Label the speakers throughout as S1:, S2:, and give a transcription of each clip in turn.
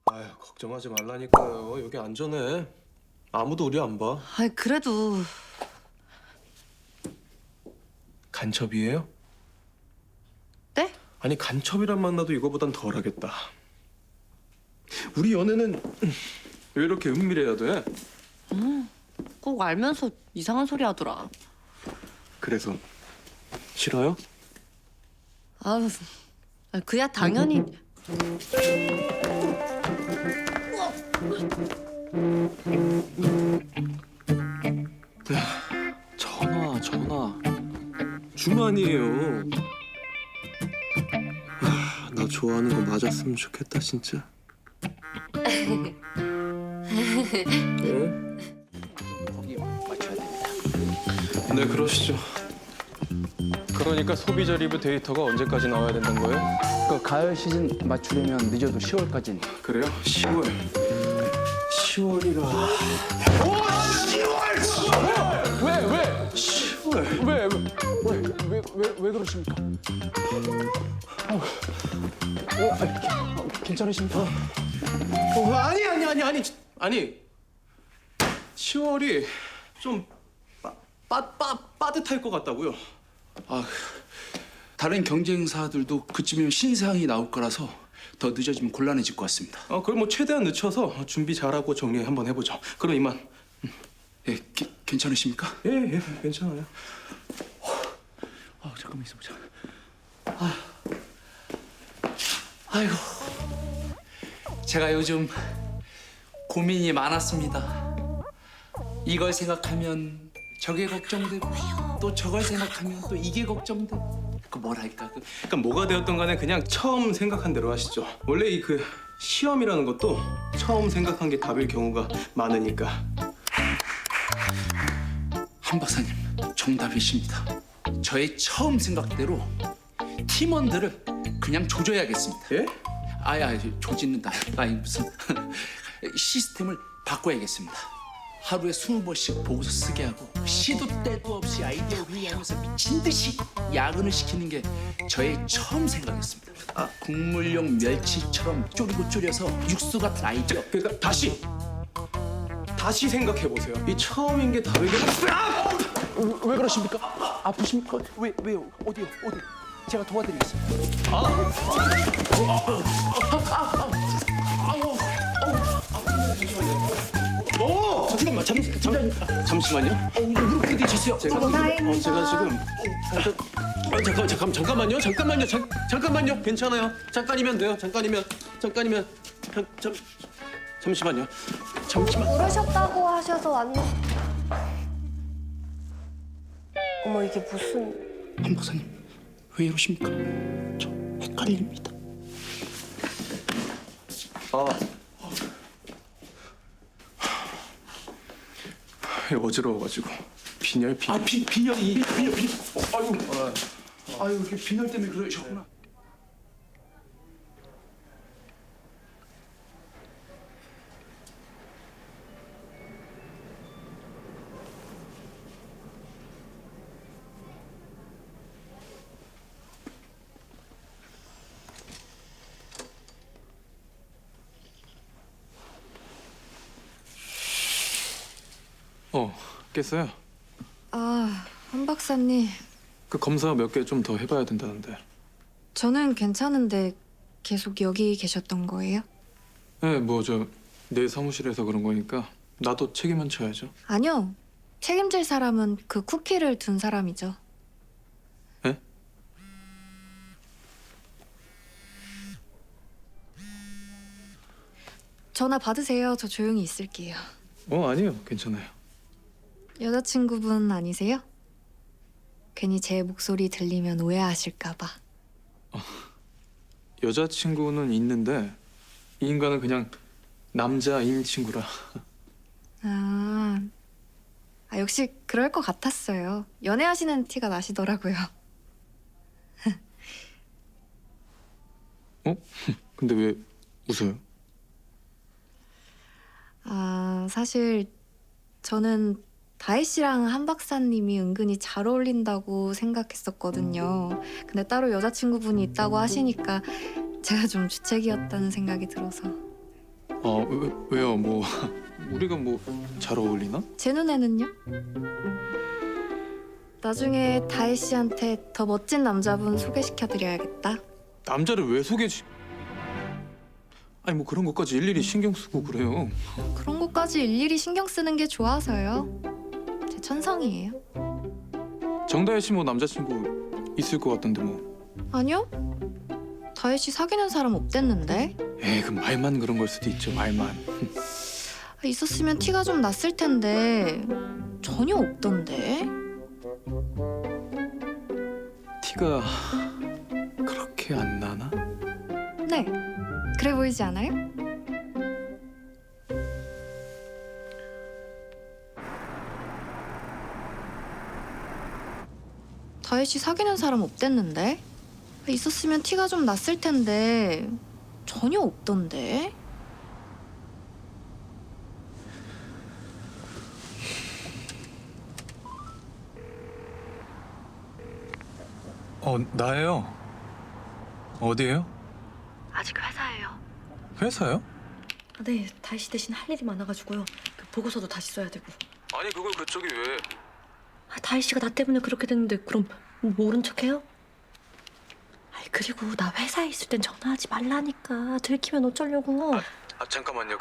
S1: 아유, 걱정하지 말라니까요. 여기 안전해. 아무도 우리 안 봐.
S2: 아이 그래도
S1: 간첩이에요?
S2: 네?
S1: 아니, 간첩이란 만나도 이거보단 덜하겠다. 우리 연애는 왜 이렇게 은밀해야 돼?
S2: 꼭 알면서 이상한 소리 하더라.
S1: 그래서 싫어요?
S2: 아우, 그야 당연히.
S1: 전화. 주만이에요. 나 좋아하는 거 맞았으면 좋겠다, 진짜. 네?
S3: 거기 맞춰야 됩니다.
S1: 네, 그러시죠. 그러니까 소비자 리뷰 데이터가 언제까지 나와야 된다는 거예요?
S3: 그 가을 시즌 맞추려면 늦어도 10월까지는.
S1: 그래요? 10월. 10월이라.
S3: 왜?
S1: 10월.
S3: 왜 그러십니까? 괜찮으십니까?
S1: 아니. 10월이 좀 빠듯할 것 같다고요.
S3: 아, 다른 경쟁사들도 그쯤이면 신상이 나올 거라서 더 늦어지면 곤란해질 것 같습니다.
S1: 그럼 뭐 최대한 늦춰서 준비 잘하고 정리 한번 해보죠. 그럼 이만.
S3: 예, 괜찮으십니까?
S1: 예, 괜찮아요.
S3: 잠깐만 있어보자.
S4: 아이고, 제가 요즘 고민이 많았습니다. 이걸 생각하면 저게 걱정되고 또 저걸 생각하면 또 이게 걱정되고 뭐랄까
S1: 그러니까 뭐가 되었던 간에 그냥 처음 생각한 대로 하시죠. 원래 이 시험이라는 것도 처음 생각한 게 답일 경우가 많으니까.
S4: 한 박사님 정답이십니다. 저의 처음 생각대로 팀원들을 그냥 조져야겠습니다.
S1: 예?
S4: 조짓는다. 무슨 시스템을 바꿔야겠습니다. 하루에 20번씩 보고서 쓰게 하고 시도 때도 없이 아이디어 회의하면서 미친 듯이 야근을 시키는 게 저의 처음 생각이었습니다. 국물용 멸치처럼 졸여서 육수 같은 아이디어.
S1: 그러니까 다시 생각해 보세요. 이 처음인 게 답일 경우.
S3: 왜 그러십니까? 아프십니까? 왜요? 어디요? 제가 도와드리겠습니다.
S1: 잠시만요.
S4: 무릎 부딪혔어요.
S1: 제가 지금 잠깐만요. 괜찮아요. 잠깐이면 돼요. 잠깐이면 잠시만요.
S5: 부르셨다고 하셔서 왔는데. 어머, 이게 무슨...
S4: 한 박사님 왜 이러십니까? 저 헷갈립니다.
S1: 어지러워가지고 빈혈.
S4: 빈혈이. 아유, 이렇게 빈혈 때문에 그러셨구나.
S1: 깼어요.
S2: 한 박사님,
S1: 그 검사 몇 개 좀 더 해봐야 된다는데.
S2: 저는 괜찮은데 계속 여기 계셨던 거예요?
S1: 네, 내 사무실에서 그런 거니까 나도 책임은 져야죠.
S2: 아니요. 책임질 사람은 그 쿠키를 둔 사람이죠.
S1: 예?
S2: 전화 받으세요. 저 조용히 있을게요.
S1: 아니요, 괜찮아요.
S2: 여자친구분 아니세요? 괜히 제 목소리 들리면 오해하실까 봐.
S1: 여자친구는 있는데 이 인간은 그냥 남자인 친구라.
S2: 역시 그럴 것 같았어요. 연애하시는 티가 나시더라고요.
S1: 근데 왜 웃어요?
S2: 사실 저는 다혜 씨랑 한 박사님이 은근히 잘 어울린다고 생각했었거든요. 근데 따로 여자친구분이 있다고 하시니까 제가 좀 주책이었다는 생각이 들어서.
S1: 왜요? 뭐 우리가 뭐 잘 어울리나?
S2: 제 눈에는요? 나중에 다혜 씨한테 더 멋진 남자분 소개시켜드려야겠다.
S1: 남자를 왜 아니 뭐 그런 것까지 일일이 신경 쓰고 그래요.
S2: 그런 것까지 일일이 신경 쓰는 게 좋아서요. 제 천성이에요.
S1: 정다혜 씨 뭐 남자친구 있을 것 같던데 뭐.
S2: 아니요? 다혜 씨 사귀는 사람 없댔는데?
S1: 에이 그 말만 그런 걸 수도 있죠. 말만.
S2: 있었으면 티가 좀 났을 텐데 전혀 없던데?
S1: 티가 그렇게 안 나나?
S2: 네, 그래 보이지 않아요? 다혜 씨 사귀는 사람 없댔는데? 있었으면 티가 좀 났을 텐데 전혀 없던데?
S1: 나예요. 어디에요?
S6: 아직 회사예요.
S1: 회사요?
S6: 네, 다혜 씨 대신 할 일이 많아가지고요. 그 보고서도 다시 써야 되고.
S1: 아니 그걸 그쪽이 왜?
S6: 다혜 씨가 나 때문에 그렇게 됐는데 그럼 모른 척해요? 그리고 나 회사에 있을 땐 전화하지 말라니까. 들키면 어쩌려고.
S1: 잠깐만요.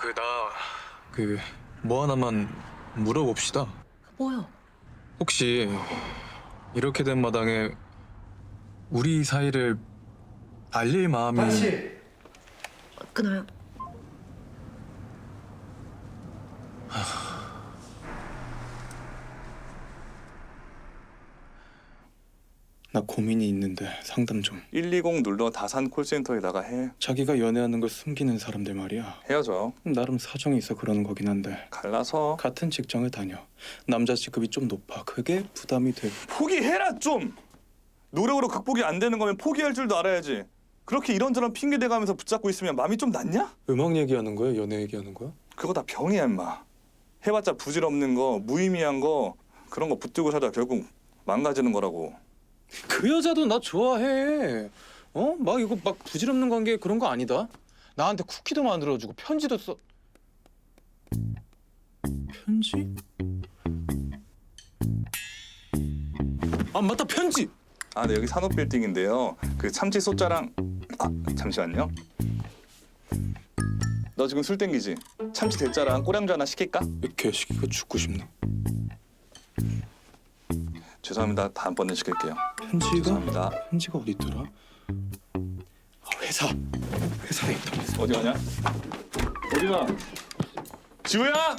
S1: 뭐 하나만 물어봅시다.
S6: 뭐요?
S1: 혹시 이렇게 된 마당에 우리 사이를 알릴 마음이
S6: 끊어요.
S1: 나 고민이 있는데 상담 좀.
S7: 120 눌러 다산 콜센터에다가 해.
S1: 자기가 연애하는 걸 숨기는 사람들 말이야.
S7: 헤어져.
S1: 나름 사정이 있어 그러는 거긴 한데
S7: 갈라서.
S1: 같은 직장을 다녀. 남자 직급이 좀 높아. 그게 부담이 되고.
S7: 포기해라 좀. 노력으로 극복이 안 되는 거면 포기할 줄도 알아야지. 그렇게 이런저런 핑계 대가면서 붙잡고 있으면 마음이 좀 낫냐?
S1: 음악 얘기하는 거야? 연애 얘기하는 거야?
S7: 그거 다 병이야 임마. 해봤자 부질없는 거, 무의미한 거 그런 거 붙들고 살다 결국 망가지는 거라고.
S1: 그 여자도 나 좋아해. 막 이거 막 부질없는 관계 그런 거 아니다. 나한테 쿠키도 만들어주고 편지도 써. 편지? 아 맞다 편지.
S7: 아, 네 여기 산업빌딩인데요. 그 참치 소자랑 잠시만요. 너 지금 술 땡기지? 참치 대짜랑 꼬량주 하나 시킬까?
S1: 개시기가 죽고 싶나?
S7: 죄송합니다. 다음번에 시킬게요.
S1: 편지가?
S7: 죄송합니다.
S1: 편지가 어디 있더라? 회사에 있다. 회사.
S7: 어디 가냐? 어디 가? 지우야!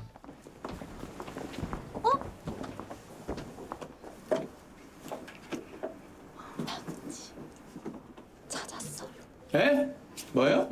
S6: 찾았어요.
S1: 에? 뭐야?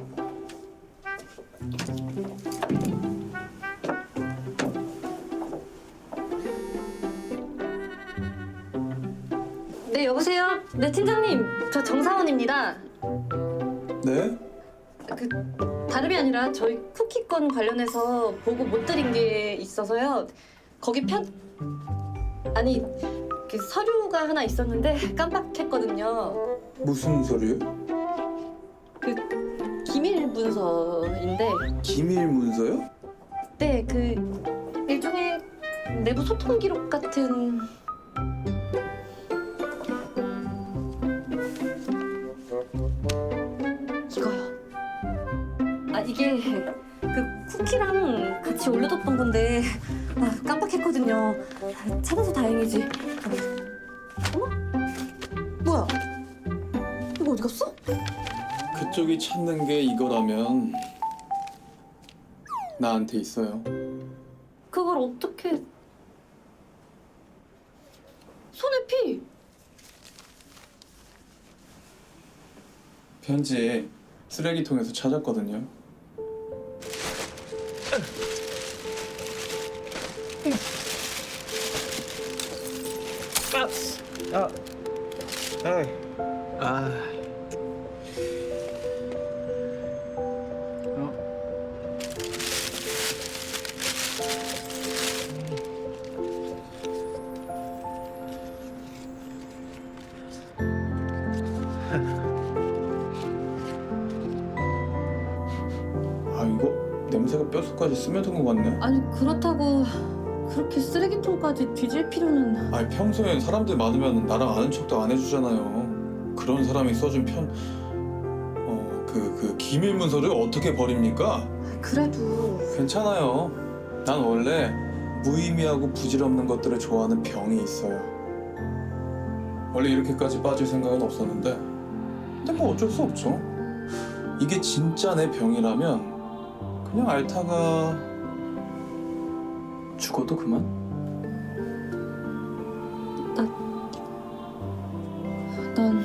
S6: 네, 여보세요? 네, 팀장님. 저 정사원입니다.
S1: 네?
S6: 다름이 아니라 저희 쿠키건 관련해서 보고 못 드린 게 있어서요. 거기 아니, 그 서류가 하나 있었는데 깜빡했거든요.
S1: 무슨 소리요?
S6: 기밀 문서인데,
S1: 기밀 문서요?
S6: 네, 일종의 내부 소통 기록 같은. 이거요. 이게 쿠키랑 같이 올려뒀던 건데 깜빡했거든요. 찾아서 다행이지. 어머? 뭐야? 이거 어디 갔어?
S1: 그쪽이 찾는 게 이거라면 나한테 있어요.
S6: 그걸 어떻게... 손에 피!
S1: 편지 쓰레기통에서 찾았거든요. 아 이거 냄새가 뼛속까지 스며든 것 같네.
S6: 아니 그렇다고 그렇게 쓰레기통까지 뒤질 필요는.
S1: 아니 평소엔 사람들 많으면 나랑 아는 척도 안 해주잖아요. 그런 사람이 써준 그 기밀 문서를 어떻게 버립니까?
S6: 그래도
S1: 괜찮아요. 난 원래 무의미하고 부질없는 것들을 좋아하는 병이 있어요. 원래 이렇게까지 빠질 생각은 없었는데 근데 뭐 어쩔 수 없죠. 이게 진짜 내 병이라면 그냥 앓다가 죽어도 그만?
S6: 난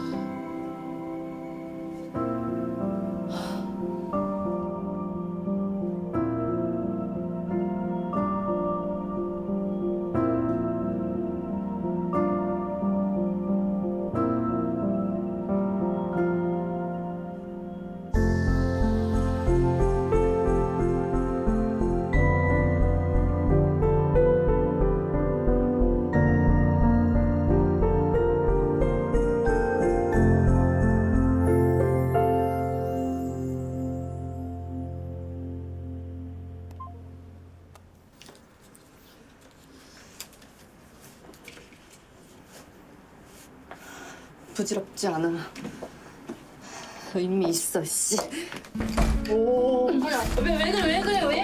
S8: 부질없지 않아. 의미 있어, 씨.
S6: 왜 그래?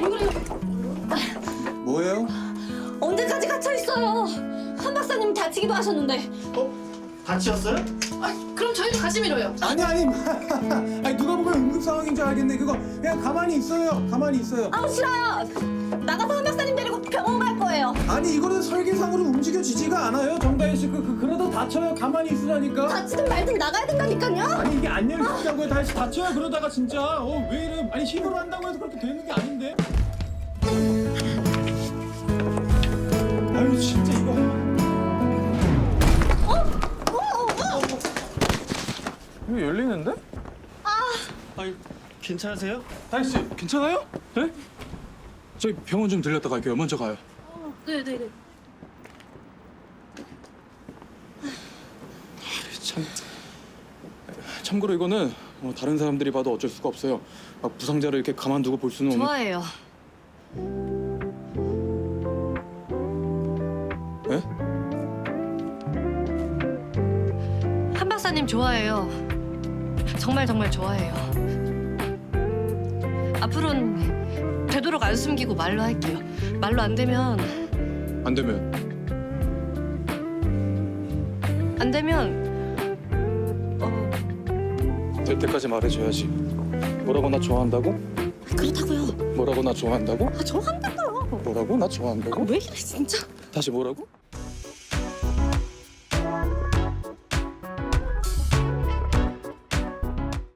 S1: 뭐예요?
S6: 언제까지 갇혀 있어요? 한 박사님 다치기도 하셨는데.
S9: 다치셨어요?
S6: 그럼 저희도 같이 밀어요.
S1: 아니 아니 누가 보면 응급 상황인 줄 알겠네. 그거 그냥 가만히 있어요. 가만히 있어요.
S6: 아우 싫어요. 나가서 한 박사님 데리고 병원 갈 거예요.
S1: 아니 이거는 설계상으로 움직여지지가 않아요. 정다혜 씨 그러다 다쳐요. 가만히 있으라니까.
S6: 다치든 말든 나가야 된다니까요.
S1: 아니 이게 안 열리시다고요. 다시 다쳐요. 그러다가 진짜 왜 이래? 아니 힘으로 한다고 해서 그렇게 되는 게 아닌데. 아유 진짜 이거. 이거 열리는데?
S9: 아니 괜찮으세요?
S1: 다혜 씨 괜찮아요? 네?
S3: 저희 병원 좀 들렸다 갈게요. 먼저 가요.
S6: 네네네.
S1: 참고로 이거는 다른 사람들이 봐도 어쩔 수가 없어요. 막 부상자를 이렇게 가만두고 볼 수는 없는.
S2: 좋아해요.
S1: 네?
S2: 한 박사님 좋아해요. 정말 좋아해요. 앞으로는 되도록 안 숨기고 말로 할게요. 말로 안 되면
S1: 안 되면 될 때까지 말해줘야지. 뭐라고 나 좋아한다고?
S6: 그렇다고요.
S1: 뭐라고 나 좋아한다고?
S6: 저 한다고요.
S1: 뭐라고 나 좋아한다고?
S6: 왜 이래 진짜.
S1: 다시 뭐라고?